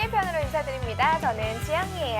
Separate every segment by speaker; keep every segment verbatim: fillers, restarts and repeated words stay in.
Speaker 1: 편으로 인사드립니다. 저는 지영이에요.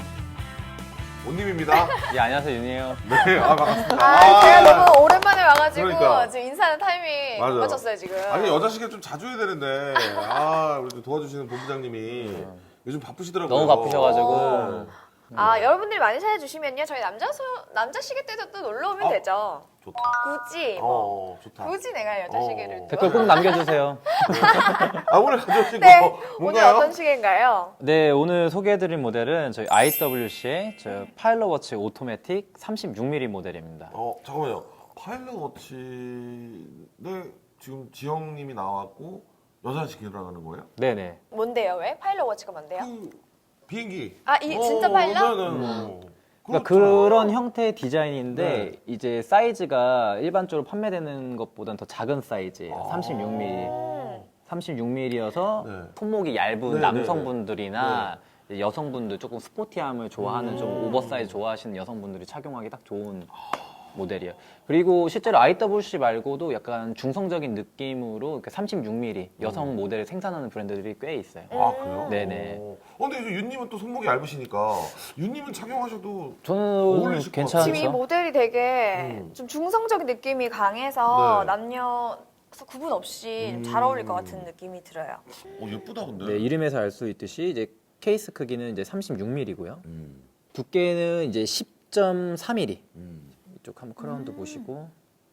Speaker 2: 온님입니다.
Speaker 3: 예, 안녕하세요, 윤이에요.
Speaker 2: 네, 아, 반갑습니다.
Speaker 1: 아, 제가 너무 오랜만에 와가지고
Speaker 2: 그러니까.
Speaker 1: 지금 인사하는 타이밍 못
Speaker 2: 맞아.
Speaker 1: 맞췄어요, 지금.
Speaker 2: 아니, 여자 시계 좀 자주 해야 되는데, 아, 우리 좀 도와주시는 본부장님이 요즘 바쁘시더라고요.
Speaker 3: 너무 바쁘셔가지고.
Speaker 2: 네.
Speaker 1: 아, 여러분들이 많이 찾아주시면요. 저희 남자 소, 남자 시계 때도 또 놀러 오면
Speaker 2: 어?
Speaker 1: 되죠.
Speaker 2: 좋다.
Speaker 1: 굳이, 뭐.
Speaker 2: 어, 좋다.
Speaker 1: 굳이 내가 여자 시계를.
Speaker 2: 어.
Speaker 1: 또.
Speaker 3: 댓글 꼭 남겨주세요.
Speaker 2: 아, 오늘 가져오신
Speaker 1: 네,
Speaker 2: 거
Speaker 1: 오늘
Speaker 2: 뭔가요?
Speaker 1: 어떤 시계인가요?
Speaker 3: 네, 오늘 소개해드릴 모델은 저희 아이더블유씨의 저 파일럿워치 오토매틱 삼십육 밀리미터 모델입니다.
Speaker 2: 어, 잠깐만요. 파일럿 워치에 지금 지영님이 나왔고, 여자 시계라고 하는 거예요?
Speaker 3: 네네.
Speaker 1: 뭔데요, 왜? 파일럿 워치가 뭔데요?
Speaker 2: 그, 비행기.
Speaker 1: 아, 이 진짜 파일럿?
Speaker 2: 네, 네, 네.
Speaker 3: 그러니까
Speaker 2: 그렇죠.
Speaker 3: 그런 형태의 디자인인데
Speaker 2: 네.
Speaker 3: 이제 사이즈가 일반적으로 판매되는 것보다는 더 작은 사이즈예요.
Speaker 2: 아.
Speaker 3: 삼십육 밀리미터.
Speaker 1: 음.
Speaker 3: 삼십육 밀리미터여서
Speaker 2: 네.
Speaker 3: 손목이 얇은
Speaker 2: 네, 네,
Speaker 3: 남성분들이나 이제 여성분들 조금 스포티함을 좋아하는 좀
Speaker 2: 음.
Speaker 3: 오버사이즈 좋아하시는 여성분들이 착용하기 딱 좋은 모델이에요. 그리고 실제로 아이더블유씨 말고도 약간 중성적인 느낌으로 이렇게 삼십육 밀리미터 여성 모델을 생산하는 브랜드들이 꽤 있어요.
Speaker 2: 아, 그래요?
Speaker 3: 네네.
Speaker 2: 어, 근데 이제 윤님은 또 손목이 얇으시니까, 윤님은 착용하셔도
Speaker 3: 저는
Speaker 2: 어울리실 것
Speaker 3: 괜찮죠.
Speaker 1: 지금 이 모델이 되게
Speaker 2: 음.
Speaker 1: 좀 중성적인 느낌이 강해서
Speaker 2: 네.
Speaker 1: 남녀 구분 없이
Speaker 2: 음.
Speaker 1: 잘 어울릴 것 같은 느낌이 들어요.
Speaker 2: 어, 예쁘다, 근데.
Speaker 3: 네, 이름에서 알 수 있듯이 이제 케이스 크기는 이제 삼십육 밀리미터고요.
Speaker 2: 음,
Speaker 3: 두께는 이제 십 점 삼 밀리미터.
Speaker 2: 음.
Speaker 3: 이쪽 한번 크라운드 보시고.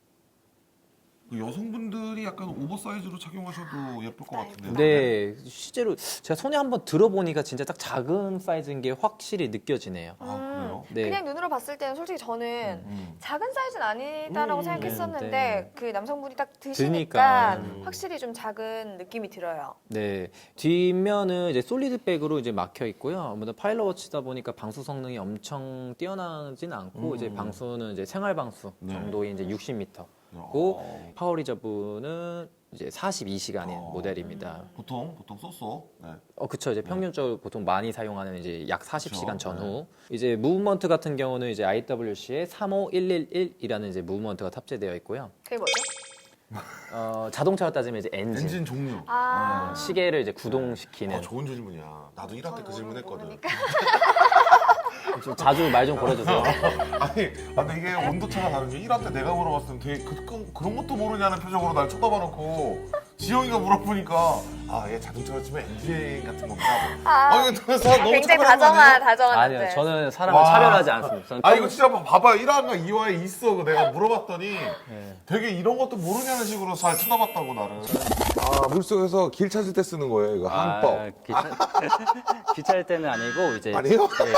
Speaker 2: 그 여성분들이 약간 오버사이즈로 착용하셔도 예쁠 것 같은데.
Speaker 3: 네, 실제로 제가 손에 한번 들어보니까 진짜 딱 작은 사이즈인 게 확실히 느껴지네요.
Speaker 2: 아, 그래요?
Speaker 3: 네.
Speaker 1: 그냥 눈으로 봤을 때는 솔직히 저는
Speaker 2: 음.
Speaker 1: 작은 사이즈는 아니다라고
Speaker 2: 음,
Speaker 1: 생각했었는데
Speaker 3: 네.
Speaker 1: 그 남성분이 딱 드시니까
Speaker 3: 드니까.
Speaker 2: 음.
Speaker 1: 확실히 좀 작은 느낌이 들어요.
Speaker 3: 네, 뒷면은 이제 솔리드백으로 이제 막혀 있고요. 아무래도 파일럿워치다 보니까 방수 성능이 엄청 뛰어나진 않고
Speaker 2: 음.
Speaker 3: 이제 방수는 이제 생활 방수
Speaker 2: 네.
Speaker 3: 정도의 이제 육십 미터.
Speaker 2: 어.
Speaker 3: 고 파워 리저브는 이제 사십이 시간인
Speaker 2: 어.
Speaker 3: 모델입니다.
Speaker 2: 보통 보통 쏘쏘. 네.
Speaker 3: 어, 그쵸. 이제 평균적으로 보통 많이 사용하는 이제 약 사십 시간
Speaker 2: 그쵸.
Speaker 3: 전후. 이제 무브먼트 같은 경우는 이제 아이더블유씨의 삼오일일일이라는 이제 무브먼트가 탑재되어 있고요.
Speaker 1: 그게 뭐죠?
Speaker 3: 어, 자동차로 따지면 이제 엔진.
Speaker 2: 엔진 종류.
Speaker 1: 아,
Speaker 3: 시계를 이제 구동시키는.
Speaker 2: 아, 좋은 질문이야. 나도 일 학 때 그 질문 했거든.
Speaker 1: 모르니까.
Speaker 3: 좀 자주 말 좀 걸어주세요.
Speaker 2: 아니, 아, 근데 이게 온도차가 다른 게 일 학 때 내가 물어봤을 때 되게 그, 그, 그런 것도 모르냐는 표정으로 날 쳐다봐 놓고 지영이가 물어보니까 아, 얘 자동차로 치면 엔진 같은 건가?
Speaker 1: 아,
Speaker 2: 아, 이거 너무 차별하는
Speaker 1: 굉장히
Speaker 2: 거
Speaker 1: 다정한
Speaker 2: 아니에요?
Speaker 1: 다정한
Speaker 3: 아니요,
Speaker 1: 남자.
Speaker 3: 저는 사람을
Speaker 2: 와.
Speaker 3: 차별하지 않습니다. 저는
Speaker 2: 아,
Speaker 3: 평-
Speaker 2: 이거 진짜 봐- 봐봐요. 일 화인가 이 화에 있어. 그 내가 물어봤더니
Speaker 3: 네.
Speaker 2: 되게 이런 것도 모르냐는 식으로 잘 쳐다봤다고, 나를. 아, 물속에서 길 찾을 때 쓰는 거예요, 이거.
Speaker 3: 아, 기차, 기차일 때는 아니고 이제
Speaker 2: 아니에요?
Speaker 3: 예.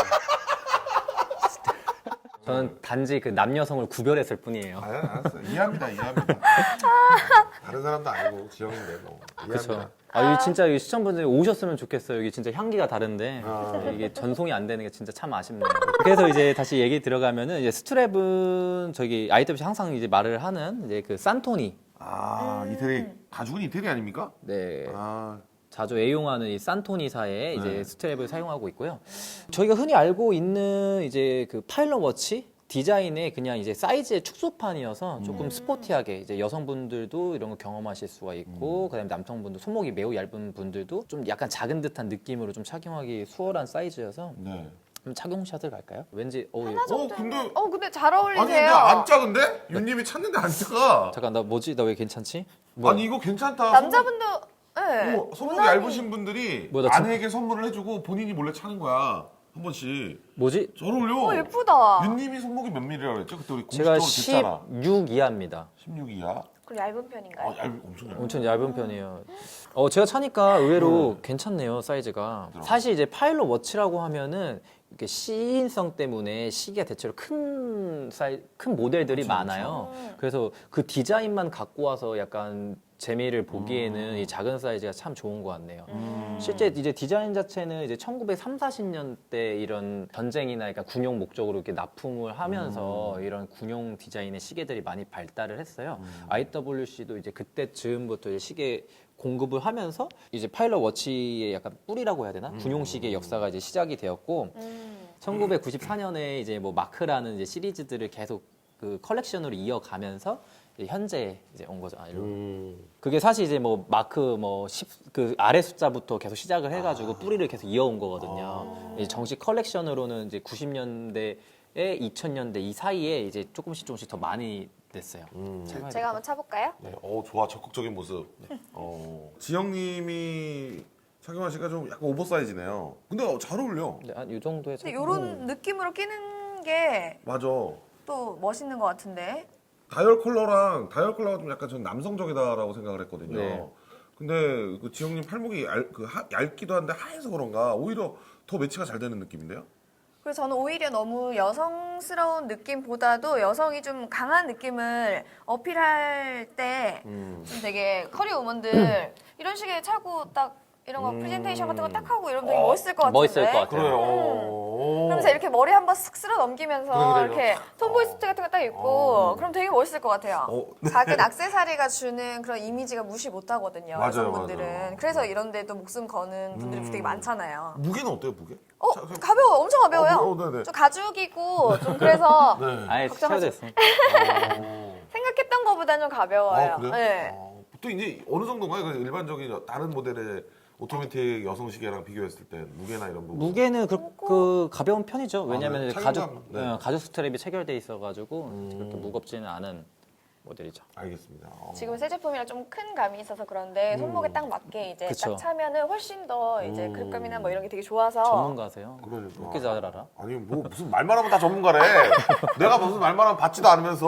Speaker 3: 저는 단지 그 남녀성을 구별했을 뿐이에요.
Speaker 2: 아, 알았어. 이해합니다, 이해합니다. 다른 사람도 아니고 지영인데, 뭐.
Speaker 3: 그렇죠.
Speaker 2: 이해합니다.
Speaker 3: 아, 여기 진짜 여기 시청분들이 오셨으면 좋겠어요. 여기 진짜 향기가 다른데
Speaker 2: 아.
Speaker 3: 이게 전송이 안 되는 게 진짜 참 아쉽네요. 그래서 이제 다시 얘기 들어가면은 이제 스트랩은 저기 아이더블유씨 항상 이제 말을 하는 이제 그 산토니.
Speaker 2: 아, 이태리, 가죽은 이태리 아닙니까?
Speaker 3: 네.
Speaker 2: 아,
Speaker 3: 자주 애용하는 이 산토니사의 이제
Speaker 2: 네.
Speaker 3: 스트랩을 사용하고 있고요. 저희가 흔히 알고 있는 이제 그 파일럿 워치 디자인의 그냥 이제 사이즈의 축소판이어서 조금
Speaker 1: 음.
Speaker 3: 스포티하게 이제 여성분들도 이런 거 경험하실 수가 있고 그다음에 남성분들 손목이 매우 얇은 분들도 좀 약간 작은 듯한 느낌으로 좀 착용하기 수월한 사이즈여서
Speaker 2: 네.
Speaker 3: 그럼 착용샷을 갈까요? 왠지 어,
Speaker 1: 하나
Speaker 2: 어,
Speaker 1: 정도.
Speaker 2: 근데.
Speaker 1: 어, 근데 잘 어울리세요.
Speaker 2: 아니, 근데 안 작은데? 윤님이 찾는데 안 작아.
Speaker 3: 잠깐 나 뭐지? 나 왜 괜찮지? 뭐야?
Speaker 2: 아니, 이거 괜찮다.
Speaker 1: 남자분도 네.
Speaker 2: 손목, 어, 손목이
Speaker 1: 무난히.
Speaker 2: 얇으신 분들이
Speaker 3: 뭐야, 나 저-
Speaker 2: 아내에게 선물을 해주고 본인이 몰래 차는 거야. 한 번씩.
Speaker 3: 뭐지?
Speaker 2: 잘 어울려.
Speaker 1: 어, 예쁘다.
Speaker 2: 윤님이 손목이 몇 밀리라고 그랬죠? 그때 우리
Speaker 3: 제가
Speaker 2: 공식적으로 됐잖아.
Speaker 3: 십육 이하입니다.
Speaker 2: 십육 이하.
Speaker 1: 그럼 얇은 편인가요?
Speaker 2: 아, 얇, 엄청 얇아.
Speaker 3: 엄청 얇은 편이에요. 어, 제가 차니까 의외로 괜찮네요, 사이즈가.
Speaker 2: 들어.
Speaker 3: 사실 이제 파일럿 워치라고 하면은 이렇게 시인성 때문에 시계가 대체로 큰 사이, 큰 모델들이
Speaker 2: 그쵸,
Speaker 3: 많아요.
Speaker 1: 그쵸.
Speaker 3: 그래서 그 디자인만 갖고 와서 약간 재미를 보기에는
Speaker 2: 음.
Speaker 3: 이 작은 사이즈가 참 좋은 것 같네요.
Speaker 1: 음.
Speaker 3: 실제 이제 디자인 자체는 이제 천구백삼십, 사십 년대 이런 전쟁이나 그러니까 군용 목적으로 이렇게 납품을 하면서
Speaker 2: 음.
Speaker 3: 이런 군용 디자인의 시계들이 많이 발달을 했어요. 아이더블유씨도 이제 그때쯤부터 이제 시계 공급을 하면서 이제 파일럿 워치의 약간 뿌리라고 해야 되나? 군용 시계 역사가 이제 시작이 되었고
Speaker 1: 음.
Speaker 3: 천구백구십사 년에 이제 뭐 마크라는 이제 시리즈들을 계속 그 컬렉션으로 이어가면서 이제 현재 이제 온 거죠. 아, 이런.
Speaker 2: 음.
Speaker 3: 그게 사실 이제 뭐 마크 뭐 십 그 아래 숫자부터 계속 시작을 해가지고
Speaker 2: 아.
Speaker 3: 뿌리를 계속 이어온 거거든요.
Speaker 2: 아.
Speaker 3: 이제 정식 컬렉션으로는 이제 구십 년대에 이천 년대 이 사이에 이제 조금씩 조금씩 더 많이 냈어요.
Speaker 2: 음.
Speaker 3: 제가
Speaker 1: 제가 한번 차볼까요?
Speaker 2: 네, 어 좋아 적극적인 모습. 어, 지영님이 착용하시니까 좀 약간 오버사이즈네요. 근데 어, 잘 어울려.
Speaker 3: 네, 한이 정도의
Speaker 1: 근데
Speaker 3: 착용.
Speaker 1: 이런 느낌으로 끼는 게 또
Speaker 2: 맞아.
Speaker 1: 멋있는 것 같은데.
Speaker 2: 다이얼 컬러랑 다이얼 컬러가 좀 약간 전 남성적이다라고 생각을 했거든요.
Speaker 3: 네.
Speaker 2: 근데 그 지영님 팔목이 얇, 그 하, 얇기도 한데 하얘서 그런가 오히려 더 매치가 잘 되는 느낌인데요?
Speaker 1: 그래서 저는 오히려 너무 여성스러운 느낌보다도 여성이 좀 강한 느낌을 어필할 때 좀
Speaker 2: 음.
Speaker 1: 되게 커리어 우먼들 이런 식의 차고 딱 이런 거
Speaker 2: 음.
Speaker 1: 프레젠테이션 같은 거 딱 하고 이러면 되게 멋있을 것 같은데.
Speaker 3: 멋있을 것 같아요.
Speaker 2: 그래요.
Speaker 1: 음. 그러면서 이렇게 머리 한번 쓱 쓸어 넘기면서
Speaker 2: 그래, 그래,
Speaker 1: 이렇게
Speaker 2: 그래.
Speaker 1: 톰보이 수트 같은 거 딱 입고
Speaker 2: 어.
Speaker 1: 그럼 되게 멋있을 것 같아요.
Speaker 2: 어,
Speaker 1: 작은 액세서리가 주는 그런 이미지가 무시 못하거든요.
Speaker 2: 맞아요,
Speaker 1: 여성분들은.
Speaker 2: 맞아요.
Speaker 1: 그래서 이런 데도 목숨 거는 분들이
Speaker 2: 음.
Speaker 1: 되게 많잖아요.
Speaker 2: 무게는 어때요, 무게?
Speaker 1: 어,
Speaker 2: 자, 자,
Speaker 1: 가벼워. 엄청 가벼워요.
Speaker 2: 어, 어, 네네.
Speaker 1: 좀 가죽이고 좀 그래서
Speaker 2: 네.
Speaker 3: 아예
Speaker 1: 걱정하지
Speaker 3: 스쳐졌어.
Speaker 2: 어.
Speaker 1: 생각했던 것보다는 좀 가벼워요.
Speaker 2: 아, 그래요?
Speaker 1: 네.
Speaker 2: 어, 보통 이제 어느 정도인가요? 그 일반적인 다른 모델의 오토매틱 여성 시계랑 비교했을 때 무게나 이런 부분.
Speaker 3: 무게는 그, 그 가벼운 편이죠.
Speaker 2: 아,
Speaker 3: 왜냐면
Speaker 2: 그래요?
Speaker 3: 가죽
Speaker 2: 착용감? 네.
Speaker 3: 어, 가죽 스트랩이 체결돼 있어가지고
Speaker 2: 음.
Speaker 3: 그렇게 무겁지는 않은 모델이죠.
Speaker 2: 알겠습니다. 어.
Speaker 1: 지금 새 제품이랑 좀 큰 감이 있어서 그런데 손목에
Speaker 2: 음.
Speaker 1: 딱 맞게 이제
Speaker 3: 그쵸.
Speaker 1: 딱 차면은 훨씬 더 이제
Speaker 2: 음.
Speaker 1: 그립감이나 뭐 이런 게 되게 좋아서
Speaker 3: 전문가세요.
Speaker 2: 그러니까.
Speaker 3: 그렇게 잘 알아?
Speaker 2: 아니 뭐 무슨 말만 하면 다 전문가래. 내가 무슨 말만 하면 받지도 않으면서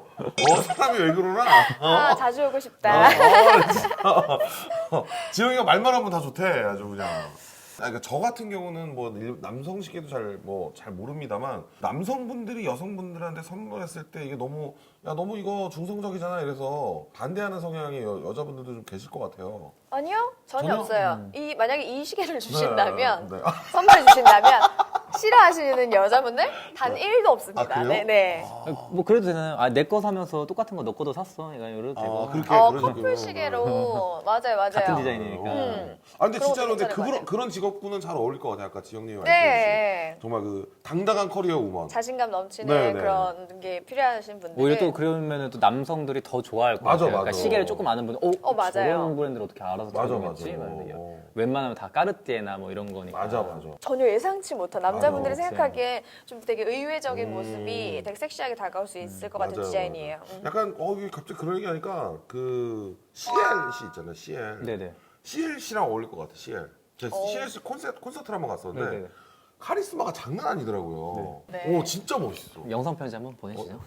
Speaker 2: 어 사람이 왜 그러나? 어?
Speaker 1: 아, 자주 오고
Speaker 2: 어,
Speaker 1: 싶다.
Speaker 2: 어, 진짜. 어, 지영이가 말만 하면 다 좋대 아주 그냥. 아니, 그러니까 저 같은 경우는 뭐 일- 남성 시계도 잘 뭐 잘 모릅니다만 남성분들이 여성분들한테 선물했을 때 이게 너무 야 너무 이거 중성적이잖아 이래서 반대하는 성향이 여, 여자분들도 좀 계실 것 같아요.
Speaker 1: 아니요, 전혀,
Speaker 2: 전혀?
Speaker 1: 없어요. 이 만약에 이 시계를 주신다면
Speaker 2: 네, 네. 아,
Speaker 1: 선물 주신다면 싫어하시는 여자분들 단 일도 없습니다.
Speaker 2: 아, 그래요?
Speaker 1: 네, 네.
Speaker 3: 뭐 그래도 되나요? 아, 내 거 사면서 똑같은 거 너 거도 샀어. 약간 이래도 되고.
Speaker 2: 아, 그렇게
Speaker 1: 어,
Speaker 2: 그러시군요.
Speaker 1: 커플 시계로 맞아요, 맞아요.
Speaker 3: 같은 디자인이니까.
Speaker 1: 음.
Speaker 2: 아 근데
Speaker 1: 그런
Speaker 2: 진짜로
Speaker 1: 것도
Speaker 2: 근데
Speaker 1: 괜찮을
Speaker 2: 그런 그런 직업군은 잘 어울릴 것 같아요. 아까 지영님이 말씀해주신
Speaker 1: 네,
Speaker 2: 정말 그 당당한 커리어 우먼.
Speaker 1: 자신감 넘치는
Speaker 2: 네, 네.
Speaker 1: 그런 게 필요하신 분들.
Speaker 3: 오히려 또 그러면 또 남성들이 더 좋아할 것
Speaker 2: 맞아,
Speaker 3: 같아요. 그러니까
Speaker 2: 맞아.
Speaker 3: 시계를 조금 아는 분은 어,
Speaker 1: 어, 맞아요.
Speaker 3: 저런 브랜드를 어떻게 알아서
Speaker 2: 맞아,
Speaker 3: 착용했지?
Speaker 2: 맞아.
Speaker 3: 막 이러면
Speaker 2: 어.
Speaker 3: 웬만하면 다 까르띠에나 뭐 이런 거니까.
Speaker 2: 맞아 맞아.
Speaker 1: 전혀 예상치 못한 남자분들이
Speaker 3: 맞아,
Speaker 1: 생각하기에 좀 되게 의외적인
Speaker 2: 음.
Speaker 1: 모습이 되게 섹시하게 다가올 수 있을 것 같은
Speaker 2: 맞아요,
Speaker 1: 디자인이에요.
Speaker 2: 맞아요.
Speaker 1: 음.
Speaker 2: 약간 어 이게 갑자기 그런 얘기 하니까 그 씨엘 씨 있잖아요. 씨엘.
Speaker 3: 네네.
Speaker 2: 씨엘 씨랑 어울릴 것 같아. 씨엘. 제가
Speaker 1: 어.
Speaker 2: 씨엘 씨 콘서트 콘서트를 한번 갔었는데
Speaker 3: 네네.
Speaker 2: 카리스마가 장난 아니더라고요.
Speaker 1: 네. 네.
Speaker 2: 오 진짜 멋있어.
Speaker 3: 영상 편지 한번 보내시죠.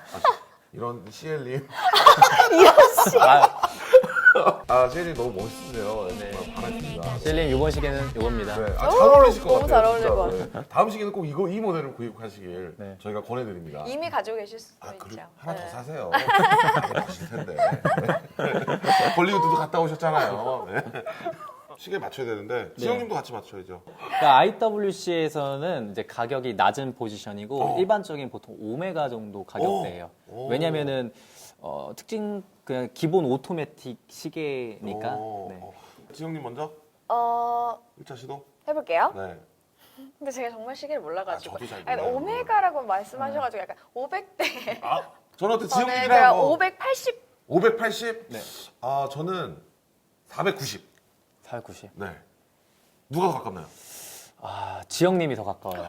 Speaker 2: 이런 씨엘님.
Speaker 3: 아,
Speaker 2: 아 씨엘님 너무 멋있으세요.
Speaker 3: 네.
Speaker 2: 정말 반갑습니다.
Speaker 3: 셀님 이번 시계는 이겁니다.
Speaker 2: 네, 아, 잘 어울리실 것
Speaker 1: 너무
Speaker 2: 같아요.
Speaker 1: 잘 어울릴
Speaker 2: 진짜.
Speaker 1: 것
Speaker 2: 네. 다음 시기는 꼭 이거 이 모델을 구입하시길
Speaker 3: 네.
Speaker 2: 저희가 권해드립니다.
Speaker 1: 이미 가지고 계실 수도
Speaker 2: 아,
Speaker 1: 있죠.
Speaker 2: 그래? 하나
Speaker 1: 네.
Speaker 2: 더 사세요. 많이 가실 텐데. 네. 볼리우드도 갔다 오셨잖아요. 네. 시계 맞춰야 되는데 지영님도 같이 맞춰야죠.
Speaker 3: 그러니까 아이더블유씨에서는 이제 가격이 낮은 포지션이고
Speaker 2: 어.
Speaker 3: 일반적인 보통 오메가 정도 가격대예요.
Speaker 2: 오.
Speaker 3: 왜냐면은 어, 특징 그냥 기본 오토매틱 시계니까.
Speaker 2: 오.
Speaker 3: 네.
Speaker 2: 지영님 먼저
Speaker 1: 어,
Speaker 2: 일 차 시도.
Speaker 1: 해볼게요.
Speaker 2: 네.
Speaker 1: 근데 제가 정말 시계를 몰라가지고.
Speaker 2: 아, 저도 잘
Speaker 1: 아니,
Speaker 2: 몰라요.
Speaker 1: 오메가라고 말씀하셔가지고 약간 오백 대.
Speaker 2: 아, 저는 어때
Speaker 1: 저는
Speaker 2: 지영님이랑
Speaker 1: 제가
Speaker 2: 뭐
Speaker 1: 오백팔십.
Speaker 2: 오백팔십.
Speaker 3: 네.
Speaker 2: 아 저는 사백구십.
Speaker 3: 사백구십.
Speaker 2: 네. 누가 더 가깝나요?
Speaker 3: 아, 지영님이 더 가까워요.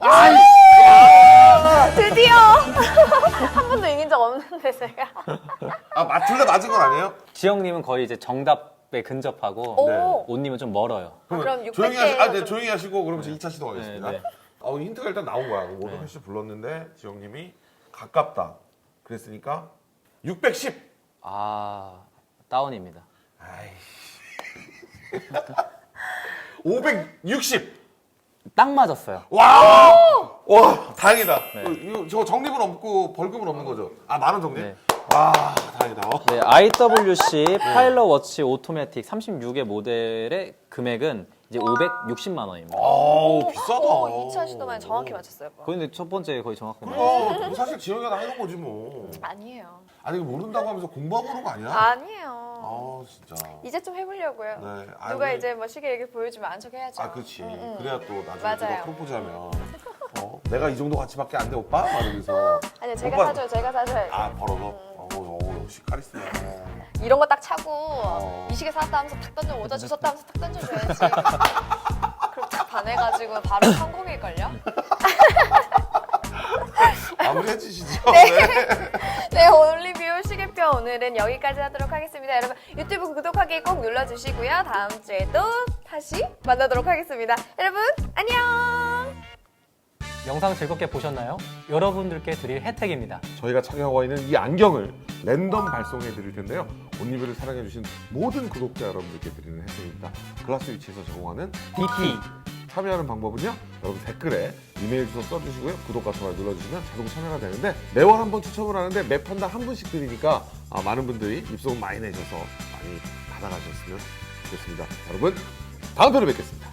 Speaker 1: 드디어 한 번도 이긴 적 없는데 제가.
Speaker 2: 아, 맞, 둘다 맞은 건 아니에요?
Speaker 3: 지영님은 거의 이제 정답에 근접하고
Speaker 1: 오.
Speaker 2: 네.
Speaker 3: 온님은 좀 멀어요.
Speaker 1: 아, 그럼
Speaker 2: 조용히
Speaker 1: 육백
Speaker 2: 하시, 아, 네,
Speaker 1: 좀-
Speaker 2: 조용히 하시고 그러면 이 차 시도 가겠습니다.
Speaker 3: 네, 네.
Speaker 2: 어, 힌트가 일단 나온 거야. 오백팔십 불렀는데 지영님이 가깝다. 그랬으니까 육백십.
Speaker 3: 아, 다운입니다.
Speaker 2: 아이씨. 오백육십.
Speaker 3: 딱 맞았어요.
Speaker 2: 와! 와, 다행이다.
Speaker 3: 네.
Speaker 2: 어, 이거 저 적립은 없고 벌금은 없는 거죠? 아, 만원 적립?
Speaker 3: 네.
Speaker 2: 와, 다행이다. 어.
Speaker 3: 네, 아이더블유씨 파일럿 워치 오토매틱 삼십육의 모델의 금액은 이제 오백육십만 원입니다.
Speaker 2: 아우, 비싸다.
Speaker 1: 오, 이 차 시도만 정확히 맞췄어요. 뭐.
Speaker 3: 근데 첫 번째 거의 정확하게
Speaker 2: 그럼 사실 지영이가 다 해놓은 거지 뭐.
Speaker 1: 아니에요.
Speaker 2: 아니 이거 모른다고 하면서 공부하고 그런 거 아니야?
Speaker 1: 아니에요.
Speaker 2: 아 진짜.
Speaker 1: 이제 좀 해보려고요.
Speaker 2: 네. 아,
Speaker 1: 누가
Speaker 2: 우리-
Speaker 1: 이제 뭐 시계 이렇게 보여주면 안 척해야죠.
Speaker 2: 아 그렇지.
Speaker 1: 음, 음.
Speaker 2: 그래야 또 나중에
Speaker 1: 맞아요.
Speaker 2: 누가 프로포즈하면 어 내가 이 정도 가치밖에 안 돼 오빠? 막 이러면서
Speaker 1: 아니요, 제가
Speaker 2: 오빠-
Speaker 1: 사줘요. 제가 사줘요.
Speaker 2: 아 벌어서? 어, 어, 역시 카리스마.
Speaker 1: 이런 거 딱 차고
Speaker 2: 어.
Speaker 1: 이 시계 사왔다 하면서 탁 던져 모자 주웠다 하면서 탁 던져줘야지. 그럼 딱 반해가지고 바로 성공일걸요?
Speaker 2: 마무리 해주시죠. 네.
Speaker 1: 네, 올리뷰 시계표 오늘은 여기까지 하도록 하겠습니다. 여러분 유튜브 구독하기 꼭 눌러주시고요. 다음 주에도 다시 만나도록 하겠습니다. 여러분 안녕!
Speaker 4: 영상 즐겁게 보셨나요? 여러분들께 드릴 혜택입니다.
Speaker 2: 저희가 착용하고 있는 이 안경을 랜덤 발송해 드릴 텐데요. 온리뷰를 사랑해 주신 모든 구독자 여러분들께 드리는 혜택입니다. 글라스 위치에서 제공하는
Speaker 4: 디티
Speaker 2: 참여하는 방법은요. 여러분 댓글에 이메일 주소 써주시고요. 구독과 좋아요 눌러주시면 자동 참여가 되는데 매월 한 번 추첨을 하는데 매 판당 한 분씩 드리니까 아, 많은 분들이 입소문 많이 내셔서 많이 받아가셨으면 좋겠습니다. 여러분 다음 편에 뵙겠습니다.